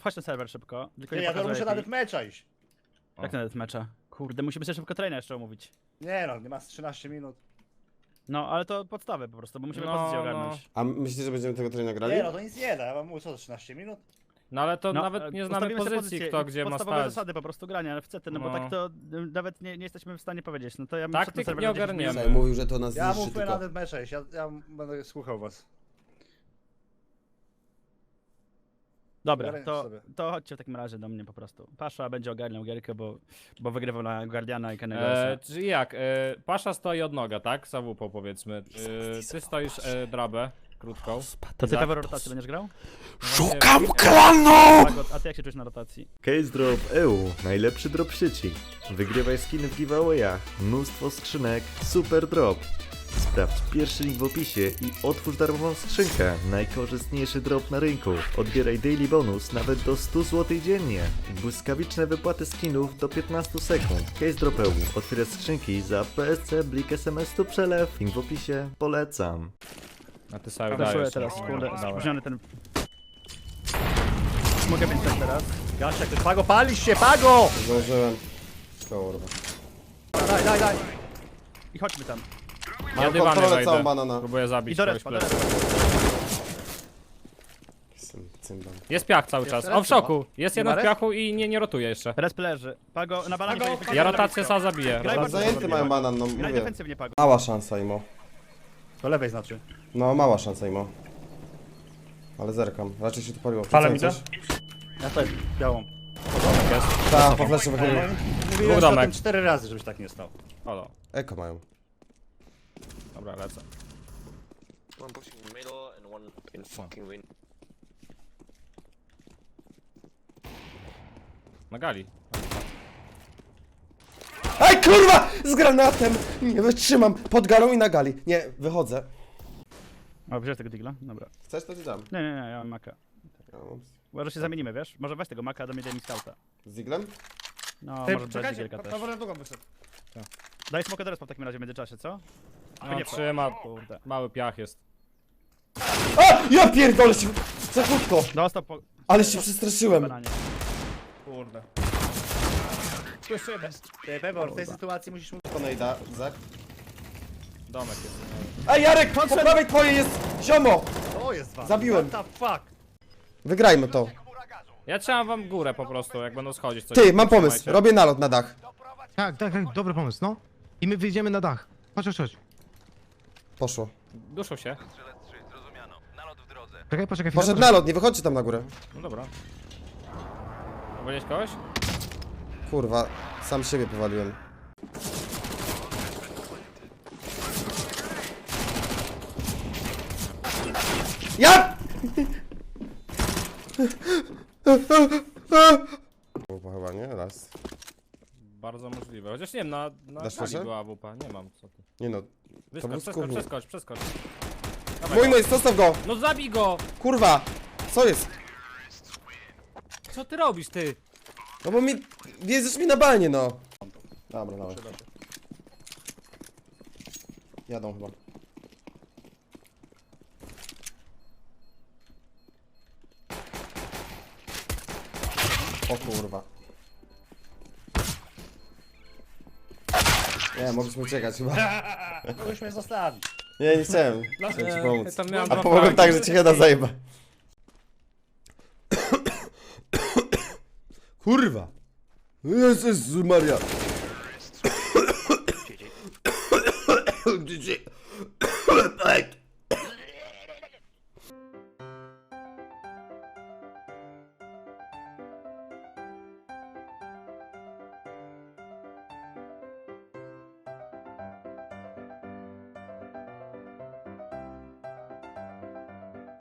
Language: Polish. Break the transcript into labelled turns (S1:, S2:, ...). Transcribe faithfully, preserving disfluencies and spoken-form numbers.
S1: Chodź na serwer szybko. Tylko
S2: Nie,
S1: nie
S2: ja to
S1: pokazuj
S2: muszę
S1: jaki.
S2: nawet mecza iść.
S1: Jak nawet mecza? Kurde, musimy sobie szybko traina jeszcze omówić.
S2: Nie no, nie ma z trzynaście minut.
S1: No, ale to podstawy po prostu, bo musimy
S3: No,
S1: pozycję
S3: no.
S1: ogarnąć.
S4: A myślicie, że będziemy tego treningu grali?
S2: Nie no, to nic nie da, ja wam mówię co, trzynaście minut?
S3: No ale to
S1: No,
S3: nawet nie znamy
S1: ustawimy sobie
S3: pozycji,
S1: pozycję
S3: kto
S1: i
S3: gdzie ma
S1: podstawowe
S3: stać.
S1: zasady po prostu grania, ale w C T, no, bo
S3: No.
S1: tak to y, nawet nie, nie jesteśmy w stanie powiedzieć. No to ja bym
S3: Taktyk
S1: wszedł na serwer
S3: nie
S1: na dziesięć
S3: ogarniemy.
S1: minut.
S4: Saj mówił, że to nas
S2: Ja
S4: zniszczy
S2: mówię
S4: tylko.
S2: nawet mecza iść, ja, ja będę słuchał was.
S1: Dobra,
S2: Ogarniam
S1: to,
S2: sobie.
S1: to chodźcie w takim razie do mnie po prostu. Pasza będzie ogarniał gierkę, bo, bo wygrywał na Guardiana i Kennego.
S3: E, czyli jak? E, Pasza stoi od noga, tak? Za wupą powiedzmy. E, ty stoisz e, drabę krótką.
S1: To ty
S3: Za-
S1: pewnie rotację będziesz grał?
S4: Szukam klanu!
S1: Pago, a ty jak się czujesz na rotacji?
S5: Case Drop E U, najlepszy drop w sieci. Wygrywaj skiny w giveawayach, mnóstwo skrzynek, super drop. Sprawdź pierwszy link w opisie i otwórz darmową skrzynkę. Najkorzystniejszy drop na rynku. Odbieraj daily bonus nawet do stu złotych dziennie. Błyskawiczne wypłaty skinów do piętnastu sekund. Case Drop E U. Otwieraj skrzynki za P S C, Blik, S M S tu przelew. Link w opisie. Polecam.
S3: A ty sobie
S1: Wyszuję
S3: dajesz.
S1: teraz,
S3: no.
S1: kurde,
S3: Dawaj.
S1: spóźniony ten... Mogę mieć tak teraz.
S2: Gasia, ktoś Pago, palisz się, Pago!
S4: Zdążyłem. Kurwa.
S2: Daj, daj, daj.
S1: I chodźmy tam.
S3: Ja
S4: Mam
S3: dywany
S4: kontrolę całą
S3: wejdę.
S4: banana.
S3: Próbuję
S1: I
S3: zabić
S1: do
S3: kogoś
S1: respa, do
S3: plecy.
S1: respa.
S4: Cymbam.
S3: Jest piach cały czas.
S2: Jeszcze
S3: O, w
S2: raz
S3: szoku. Jest
S2: Nie
S3: jeden
S2: ma
S3: w
S2: res?
S3: piachu i nie, nie rotuje jeszcze.
S1: Resp leży. Pago, na balanie
S2: Pago,
S1: pojedziemy.
S3: Ja rotację sam zabiję.
S1: Graj
S4: Ale
S1: bardzo
S4: zajęty
S1: dobry,
S4: mają
S1: Pago.
S4: banan, no
S1: Graj
S4: mówię.
S1: defensywnie, Pago.
S4: Mała szansa, Imo.
S2: Do lewej znaczy.
S4: No, mała szansa, Imo. Ale zerkam. Raczej się tu paliło.
S3: Fala mi
S4: Coś?
S2: Ja też, białą.
S4: Tak, po flesze wychylił.
S2: Mówiłem
S3: Dwóch
S2: o
S3: domek.
S2: tym cztery razy, żebyś tak nie stał.
S3: Halo.
S4: Eko mają.
S3: Dobra, lecę.
S6: One pushing middle and one in fucking win.
S3: Na gali.
S4: Ej, kurwa! Z granatem! Nie wytrzymam. Pod galą i na gali. Nie, wychodzę.
S1: O, wziąłeś tego digla? Dobra.
S4: Chcesz, to ci dam.
S1: Nie, nie, nie, ja mam maka.
S4: Ja mam
S1: Może się zamienimy, wiesz? Może weź tego maka, do mnie daj mi scouta.
S4: Z diglem?
S1: No,
S2: Ty,
S1: może dać
S2: czekajcie,
S1: digielka też.
S2: Paweł długą wyszedł.
S1: Daj smoka do respa w takim razie w międzyczasie, co?
S3: No,
S1: nie,
S3: trzyma.
S1: Kurde.
S3: Mały piach jest.
S4: A! Ja pierdolę się! Za krótko!
S1: Dostał po
S4: Ale się przestraszyłem.
S1: bananie.
S2: Kurde. Tu jeszcze jeden. Ty, Pebor, w tej sytuacji musisz mu...
S4: Konejda, Zak.
S3: Domek jest.
S4: Ej, Jarek! Po prawej twojej jest ziomo!
S2: O, jest was.
S4: Zabiłem.
S2: What the fuck?
S4: Wygrajmy to.
S3: Ja trzymam wam górę po prostu, jak będą schodzić. Coś
S4: Ty, mam pomysł.
S3: trzymajcie.
S4: Robię nalot na dach.
S7: Tak, tak, tak, dobry pomysł, no. I my wyjdziemy na dach. Chodź, chodź, chodź.
S4: Poszło.
S3: Duszą się.
S7: Czekaj, poczekaj chwilę.
S4: Poszedł nalot, nie wychodźcie tam na górę.
S3: No dobra. Powiedzieć kogoś?
S4: Kurwa, sam siebie powaliłem. Ja! Kurwa, chyba nie? Raz.
S3: Bardzo możliwe. Chociaż nie wiem, na, na
S4: Dasz
S3: gali
S4: proszę?
S3: była wupa. Nie mam, co ty.
S4: Nie no.
S3: Wyskocz,
S4: był
S3: przeskocz,
S4: skurwół.
S3: przeskocz, przeskocz. Dawaj
S4: Mój,
S3: go.
S4: mój, zostaw go!
S3: No zabij go!
S4: Kurwa! Co jest?
S3: Co ty robisz, ty?
S4: No bo mi... Jedziesz mi na balnie, no. Dobra, dobra. Jadą chyba. O kurwa. Nie, mogliśmy uciekać chyba.
S2: Kogoś mnie zostawić.
S4: Nie, nie chciałem. Chciałem ci
S3: Ja
S4: pomóc.
S3: tam miałem
S4: A
S3: dwa
S4: pomogłem
S3: fragi.
S4: tak, że ci heada zajeba. Kurwa. Jezus Maria.